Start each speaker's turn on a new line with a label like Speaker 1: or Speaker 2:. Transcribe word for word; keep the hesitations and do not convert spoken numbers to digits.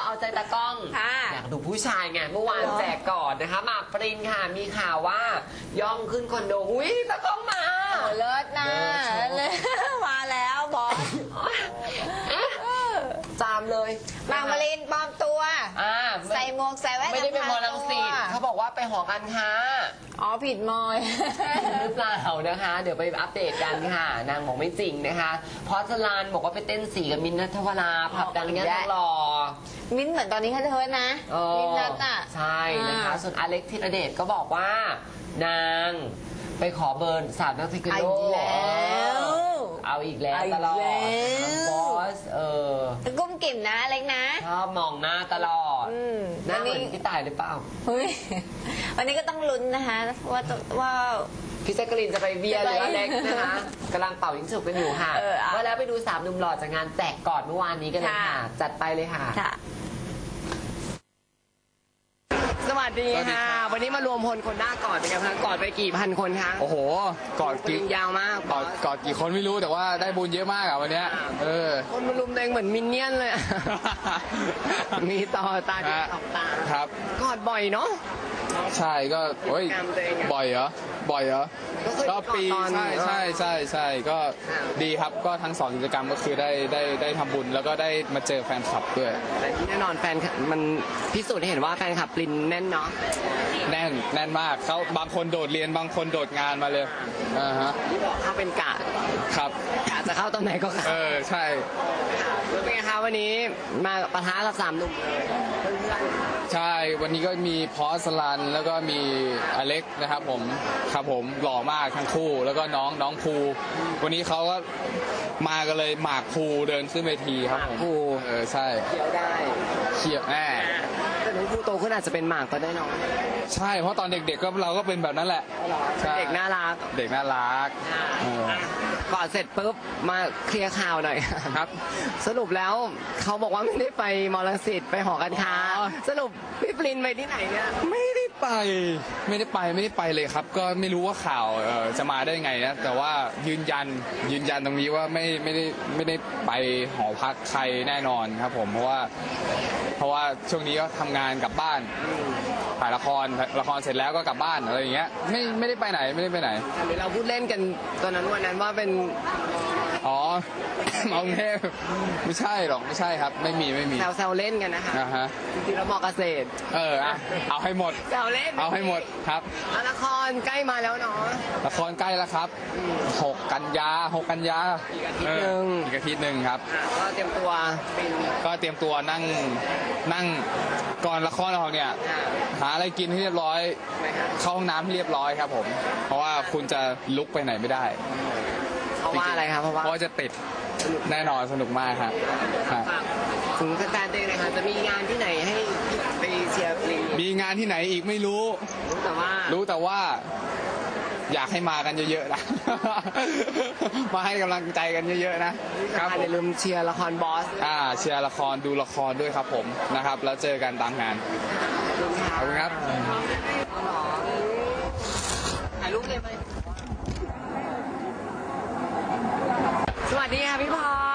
Speaker 1: เอาใจตะก้องอยากดูผู้ชายไงเมื่อวานแจกก่อนนะคะหมากปรินค่ะมีข่าวว่าย่องขึ้นคอนโดอุ้ยตะก้องมา
Speaker 2: เลิศนะเลยมาแล้วบอส
Speaker 1: จามเลย
Speaker 2: หมากปรินปลอมตัวใส่หมวกใส่แว่น
Speaker 1: ไม่ได้เป็นมอลังสิตเขาบอกว่าไปหอการค้า
Speaker 2: อ๋อผิดมอย
Speaker 1: หรือเปล่านะคะเดี๋ยวไปอัปเดตกันค่ะนางบอกไม่จริงนะคะพอสลานบอกว่าไปเต้นสีกับมินท์ณัฐวราผับดังย่านทองหล่อ
Speaker 2: มินท์เหมือนตอนนี้เขาเทิร์นนะมินท์นัทอ่ะ
Speaker 1: ใช่นะคะส่วนอเล็กธีรเดชก็บอกว่านางไปขอเบอร์สามนักเทควันโดเอาอีกแล้วตลอดบอสเออ
Speaker 2: กุ้มกิ่มนะเล็กนะ
Speaker 1: ชอบมองหน้าตลอดหน้าเหมือนพี่ต่ายหรือเปล่า
Speaker 2: เฮ้ยวันนี้ก็ต้องลุ้นนะคะว่าว่า
Speaker 1: พี่แจ๊กกะลินจะไปเบียร์หรืออเล็กนะคะกำลังเป่ายิงฉุบกันอยู่ค่ะว่าแล้วไปดูสามหนุ่มหล่อจากงานแจกกอดเมื่อวานนี้กันเลยค่ะจัดไปเลยค่ะสวัสดีค่ะวันนี้มารวมพลคนหน้ากอดเป็นไงคะกอดไปกี่พันคนคะ
Speaker 3: โอ้โหกอดกี่
Speaker 1: ยาวมาก
Speaker 3: กอดกอดกี่คนไม่รู้แต่ว่าได้บุญเยอะมากอ่ะวันนี้เออ
Speaker 1: คนมารุมเองเหมือนมินเนี่ยนเลยมีต่อตาดีสองตา
Speaker 3: ครับ
Speaker 1: กอดบ่อยเนาะ
Speaker 3: ใช่ก็โอ้ยบ่อยเหรอบ่อยเหรอก็ปีใช่ใช่ใช่ใช่ก็ดีครับก็ทั้งสองกิจกรรมก็คือได้ได้ได้ทำบุญแล้วก็ได้มาเจอแฟนคลับด้วย
Speaker 1: แต่ที่แน่นอนแฟนมันพิสูจน์ให้เห็นว่าแฟนคลับปรินแน่นเนาะ
Speaker 3: แน่นแน่นมากเขาบางคนโดดเรียนบางคนโดดงานมาเลยอ่าฮะ
Speaker 1: ที่บอกเขาเป็นกะ
Speaker 3: ครับ
Speaker 1: กะจะเข้าตอนไหนก็เข้า
Speaker 3: เออใช่
Speaker 1: แล้วเป็นไงคะวันนี้มาปะทะกับสามหนุ่ม
Speaker 3: ใช่วันนี้ก็มีพอสลันแล้วก็มีอเล็กนะครับผมครับผมหล่อมากทั้งคู่แล้วก็น้องน้องภูวันนี้เขาก็มากันเลยหมากภูเดินขึ้นเวทีครับผม
Speaker 1: ภู
Speaker 3: เออใช่
Speaker 1: เขียวได้
Speaker 3: เขียวแน่
Speaker 1: แต่น้องภูโตขึ้นอาจจะเป็นหมากก็ได้น้อง
Speaker 3: ใช่เพราะตอนเด็กๆก็เราก็เป็นแบบนั้นแหละ
Speaker 1: เด็กน่ารัก
Speaker 3: เด็กน่ารัก
Speaker 1: ก่อนเสร็จปุ๊บมาเคลียร์ข่าวหน่อย
Speaker 3: ครับ
Speaker 1: สรุปแล้วเขาบอกว่าไม่ได้ไปมอลังสิตไปหอการค้าสรุปพี่ปรินไปที่ไหนเนี่ย
Speaker 3: ไม่ได้ไปไม่ได้ไปไม่ได้ไปเลยครับก็ไม่รู้ว่าข่าวจะมาได้ไงนะแต่ว่ายืนยันยืนยันตรงนี้ว่าไม่ไม่ได้ไม่ได้ไปหอพักใครแน่นอนครับผมเพราะว่าเพราะว่าช่วงนี้ก็ทำงานกลับบ้านถ่ายละครละครเสร็จแล้วก็กลับบ้านอะไรอย่างเงี้ยไม่ไม่ได้ไปไหนไม่ได้ไปไหน
Speaker 1: เราพูดเล่นกันตอนนั้นวันนั้นว่าเป็น
Speaker 3: อ๋อมองเทพไม่ใช่หรอกไม่ใช่ครับไม่มีไม่มี
Speaker 1: แซวๆเล่นกันนะคะ
Speaker 3: อ่าฮะ
Speaker 1: จริงๆแล้วมอเกษตร
Speaker 3: เอออ่ะเอาให้หมด
Speaker 1: แซวเล่น
Speaker 3: เอาให้หมดครับ
Speaker 1: ละครใกล้มาแล้วเนาะ
Speaker 3: ละครใกล้แล้วครับหกกันยาหกกันยา
Speaker 1: อีกอาทิตย์นึง
Speaker 3: อีกอาทิตย์นึงครับ
Speaker 1: ก็เตรียมตัว
Speaker 3: ก็เตรียมตัวนั่งนั่งก่อนละครออกเนี่ยหาอะไรกินให้เรียบร้อยเข้าห้องน้ำให้เรียบร้อยครับผมเพราะว่าคุณจะลุกไปไหนไม่ได้
Speaker 1: เพราะว่าอะไรครับเพราะว่า
Speaker 3: เพราะจะติดแน่นอนสนุกมากครับ
Speaker 1: ถึงแฟนๆเองเลยค่ะจะมีงานที่ไหนให้ไปเชียร์ปริน
Speaker 3: มีงานที่ไหนอีกไม่รู้
Speaker 1: รู้แต่ว่า
Speaker 3: รู้แต่ว่าอยากให้มากันเยอะๆนะมาให้กำลังใจกันเยอะๆนะครับ
Speaker 1: อย่าลืมเชียร์ละครบอส
Speaker 3: อ่าเชียร์ละครดูละครด้วยครับผมนะครับแล้วเจอกันตามงานขอบคุณครับ
Speaker 1: ถ่ายรูปเลยไหมสวัสดีค่ะพี่พร